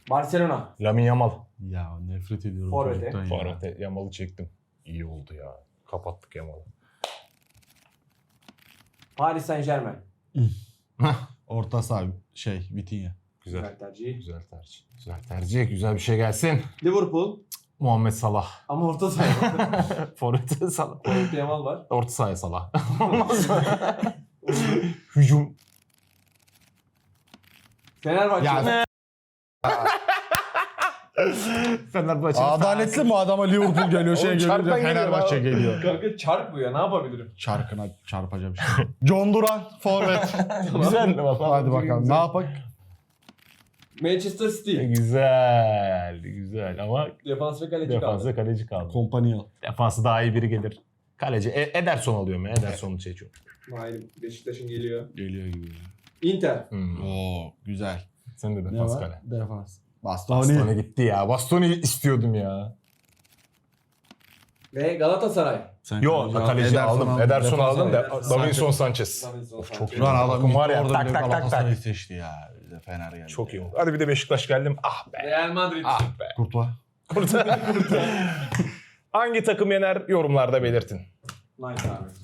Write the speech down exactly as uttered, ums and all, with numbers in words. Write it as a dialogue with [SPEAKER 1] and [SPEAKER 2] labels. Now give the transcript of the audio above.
[SPEAKER 1] Barcelona.
[SPEAKER 2] Lamine Yamal.
[SPEAKER 3] Ya nefret ediyorum
[SPEAKER 1] Forvet'e.
[SPEAKER 3] çocuktan ya.
[SPEAKER 2] Forvet'e Yamal'ı çektim. İyi oldu ya. Kapattık Yamal'ı.
[SPEAKER 1] Paris Saint Germain.
[SPEAKER 3] Orta saha şey Vitinha.
[SPEAKER 2] Güzel.
[SPEAKER 1] Güzel tercih.
[SPEAKER 2] Güzel tercih. Güzel tercih. Güzel bir şey gelsin.
[SPEAKER 1] Liverpool.
[SPEAKER 2] Muhammed Salah.
[SPEAKER 1] Ama orta saha.
[SPEAKER 2] Forvet'e Salah.
[SPEAKER 1] Forvet'te Yamal var.
[SPEAKER 2] Orta sahaya Salah. Hücum.
[SPEAKER 1] Fenerbahçe.
[SPEAKER 3] Ya
[SPEAKER 2] Fenerbahçe.
[SPEAKER 3] adaletli mi adama Liverpool geliyor şey
[SPEAKER 2] Oğlum
[SPEAKER 3] geliyor
[SPEAKER 2] çarpan geliyor
[SPEAKER 3] Fenerbahçe
[SPEAKER 2] abi.
[SPEAKER 3] geliyor.
[SPEAKER 1] Kanka çarp bu ya, ne yapabilirim?
[SPEAKER 3] Çarkına çarpacağım şimdi. John Duran forvet.
[SPEAKER 2] Güzel mi?
[SPEAKER 3] Hadi bakalım ne yapak?
[SPEAKER 1] Manchester City.
[SPEAKER 2] Güzel. Güzel ama
[SPEAKER 1] Defans ve kaleci
[SPEAKER 2] defansa
[SPEAKER 1] kaldı.
[SPEAKER 2] kaleci kaldı.
[SPEAKER 3] Kompanya.
[SPEAKER 2] Defansı daha iyi biri gelir. Kaleci. E- Ederson alıyorum ya. Ederson'u seçiyorum.
[SPEAKER 1] Hayır, Beşiktaş'ın geliyor.
[SPEAKER 3] Geliyor gibi.
[SPEAKER 1] Inter.
[SPEAKER 2] Hmm.
[SPEAKER 3] Oo güzel.
[SPEAKER 2] Sen de
[SPEAKER 3] Ne
[SPEAKER 2] defans
[SPEAKER 3] var?
[SPEAKER 2] kale.
[SPEAKER 3] Defans.
[SPEAKER 2] Bastoni
[SPEAKER 3] Bastoni.
[SPEAKER 2] gitti ya. Bastoni istiyordum ya.
[SPEAKER 1] Ve Galatasaray.
[SPEAKER 3] Sen
[SPEAKER 2] Yo kaleci
[SPEAKER 3] al,
[SPEAKER 2] aldım. Ederson
[SPEAKER 3] defans
[SPEAKER 2] aldım
[SPEAKER 3] al.
[SPEAKER 2] da
[SPEAKER 1] Ederson.
[SPEAKER 2] Davinson Sanchez.
[SPEAKER 1] Davinson
[SPEAKER 2] Of, çok
[SPEAKER 1] Sanchez.
[SPEAKER 2] iyi.
[SPEAKER 3] Lan adam
[SPEAKER 2] Takım
[SPEAKER 3] gitti
[SPEAKER 2] var ya,
[SPEAKER 3] orada
[SPEAKER 2] tak,
[SPEAKER 3] bir
[SPEAKER 2] tak, tak,
[SPEAKER 3] Galatasaray'ı
[SPEAKER 2] tak.
[SPEAKER 3] seçti ya. Bize Fener geldi.
[SPEAKER 2] Çok iyi oldu. Hadi bir de Beşiktaş geldim. Ah be.
[SPEAKER 1] Real Madrid.
[SPEAKER 2] Ah be.
[SPEAKER 3] Kurtuğa.
[SPEAKER 2] Hangi takım yener yorumlarda belirtin.
[SPEAKER 1] Nice abi.